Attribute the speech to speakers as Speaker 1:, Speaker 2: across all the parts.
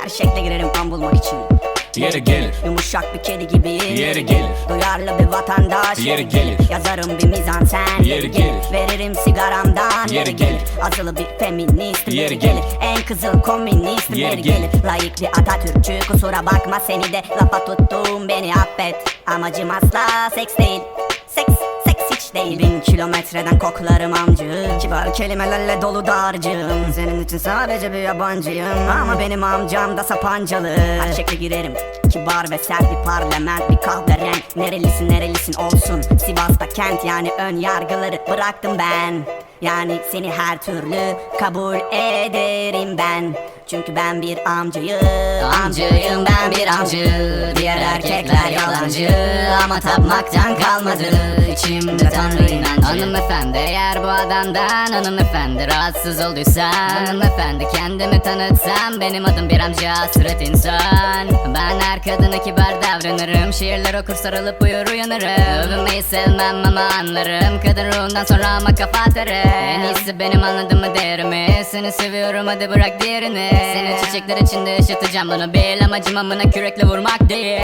Speaker 1: Her şekle girerim an bulmak için.
Speaker 2: Yeri gelir,
Speaker 1: yumuşak bir kedi gibi.
Speaker 2: Yeri gelir,
Speaker 1: duyarlı bir vatandaş.
Speaker 2: Yeri gelir,
Speaker 1: yazarım bir mizansen.
Speaker 2: Yeri gelir,
Speaker 1: veririm sigaramdan.
Speaker 2: Yeri gelir,
Speaker 1: azılı bir feminist.
Speaker 2: Yeri gelir,
Speaker 1: en kızıl komünist.
Speaker 2: Yeri gelir,
Speaker 1: layık bir Atatürkçü. Kusura bakma seni de lafa tuttum, beni affet. Amacım asla seks değil. Seks hiç değil. 1000 kilometreden koklarım amcı. Kibar kelimelerle dolu dağarcığım. Senin için sadece bir yabancıyım. Ama benim amcam da sapancalı. Her şekle girerim. Kibar ve sert bir parlament, bir kahverenk. Nerelisin olsun. Sivas'ta kent, yani ön yargıları bıraktım ben. Yani seni her türlü kabul ederim ben. Çünkü ben bir amcayım. Amcayım, ben bir amcı. Diğer erkekler yalancı. Ama tapmaktan kalmadı içimde Tanrı inancı.
Speaker 3: Hanımefendi, eğer bu adamdan hanımefendi rahatsız olduysan, hanımefendi kendimi tanıtsam, benim adım bir amca, hasret insan. Ben her kadına kibar davranırım, şiirler okur sarılıp uyur uyanırım. Övünmeyi sevmem ama anlarım, kadın ruhundan sonra ama kafa atarım. En iyisi benim, anladın mı değerimi? Seni seviyorum, hadi bırak diğerini. Seni çiçekler içinde ışıtacağım, bunu bil. Amacım amına kürekle vurmak değil.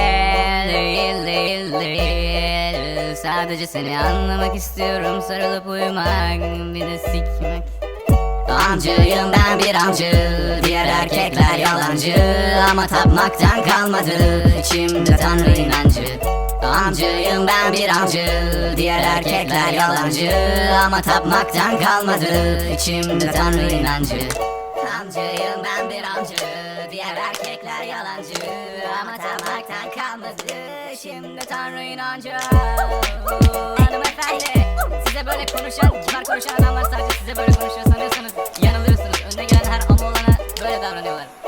Speaker 3: Sadece seni anlamak istiyorum, sarılıp uyumak, bir de sikmek.
Speaker 1: Amcayım, ben bir amcı. Diğer erkekler yalancı. Ama tapmaktan kalmadı içimde Tanrı inancı. Amcayım, ben bir amcı. Diğer erkekler yalancı. Ama tapmaktan kalmadı içimde Tanrı inancı. Amcayım, ben bir amcı. Diğer erkekler yalancı. Ama tapmaktan kalmadı şimdi Tanrı inancı.
Speaker 3: Hanımefendi, size böyle konuşan, kibar konuşan adamlar sadece size böyle konuşuyor sanıyorsanız yanılıyorsunuz. Önüne gelen her ama olana böyle davranıyorlar.